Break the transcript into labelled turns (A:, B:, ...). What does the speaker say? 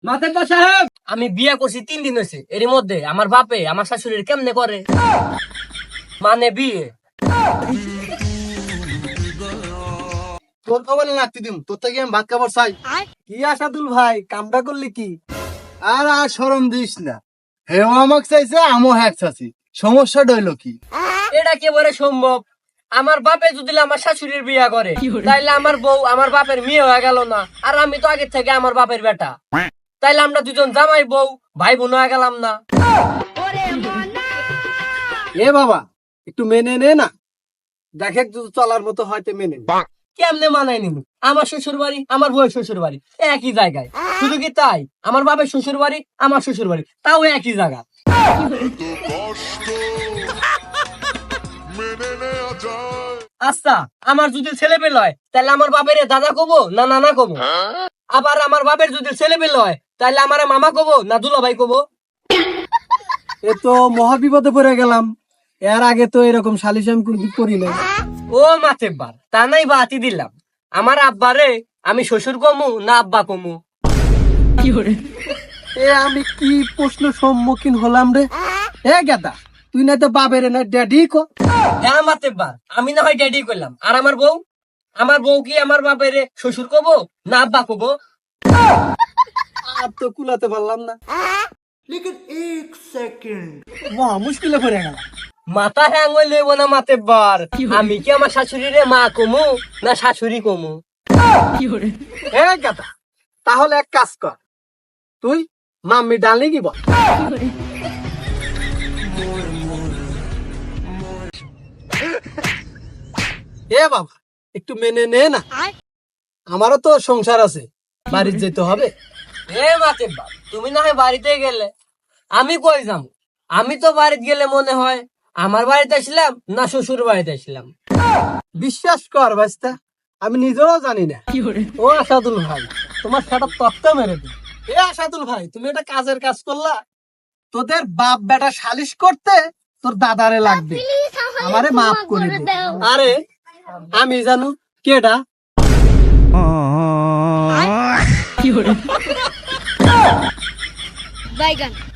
A: মাতেব্বর সাহেব, আমি বিয়ে করছি 3 দিন হয়েছে, এর মধ্যে আমার বাপে আমার শাশুড়ির কেমনে করে মানে বিয়ে।
B: তোর খবর লাগতে দিম, তোর থেকে আমি ভাত খাবার চাই। কি আসাদুল ভাই, কামটা করলি কি? আর শরম দিস না, হেও আমাকে চাইছে, আমও হ্যাক চাচ্ছি, সমস্যাটা হইলো কি?
A: এটা কেবারে সম্ভব? আমার বাপে যদি আমার শাশুড়ির বিয়ে করে তাইলে আমার বউ আমার বাপের মেয়ে হয়ে গেল না? আর আমি তো আগে থেকে আমার বাপের বেটা, তাইলে আমরা দুজন জামাই বউ ভাই বোন হয়ে গেলাম না?
B: এ বাবা, একটু মেনে নে না, দেখে যদি চলার মতো হয়তো মেনে নে।
A: কেমনে মানাই নিব? আমার শ্বশুর বাড়ি আমার বউয়ের শ্বশুর বাড়ি একই জায়গায়, শুধু কি তাই, আমার বাপের শ্বশুর বাড়ি আমার শ্বশুর বাড়ি তাও একই জায়গা। আচ্ছা, আমার যদি ছেলে পেলে হয় তাহলে আমার বাপের দাদা কবো না নানা কবো? আবার আমার বাপের যদি ছেলে পেলে হয় তাহলে আমার মামা কবো না দুলাভাই কবো?
B: এ তো মহা বিপদে পড়ে গেলাম, এর আগে তো এরকম সালিশ আমি কোনদিন করি নাই।
A: ও মাতেব্বার, তা নাই বাতি দিলাম, আমার আব্বারে আমি শ্বশুর কমু না আব্বা কমু?
B: এ আমি কি প্রশ্ন সম্মুখীন হলাম রে? এ গাদা, তুই না তো বাবের না ড্যাডি কো।
A: হ্যাঁ মাতেব্বার, আমি না হয় ড্যাডি করলাম, আর আমার বউ? আমার বউ কি আমার বাপের শ্বশুর কবো না আব্বা কবো?
B: আর তো কুলাতে পারলাম না, মহা মুশকিলে পড়ে গেল।
A: মাথা হ্যাং হইলে না মাতেব্বার, আমি কি আমার শাশুড়িরে মা কমু না শাশুড়ি কমু?
B: এ গাদা, তাহলে এক কাজ কর, তুই মাম্মি ডালনি কি বল। এ বাবা, একটু মেনে নে না, আমারও তো সংসার আছে, বাড়ি যেতে হবে।
A: এ মাতেব্বার, তুমি না হয় বাড়িতে গেলে, আমি কই যাবো? আমি তো বাড়িতে গেলে মনে হয় আমার বাড়িতে আসলাম না শ্বশুর বাড়িতে আসলাম।
B: বিশ্বাস কর ভাইস্তা, আমি নিজেও জানি না। ও আসাদুল ভাই, তোমার সেটা তত্ত্ব মেরে দিই। এ আসাদুল ভাই, তুমি এটা কাজের কাজ করলা, তোদের বাপ বেটা সালিশ করতে তোর দাদারে লাগবে, আমারে মাফ করে দে। আরে আমি জানো কেডা?
C: বাইগান।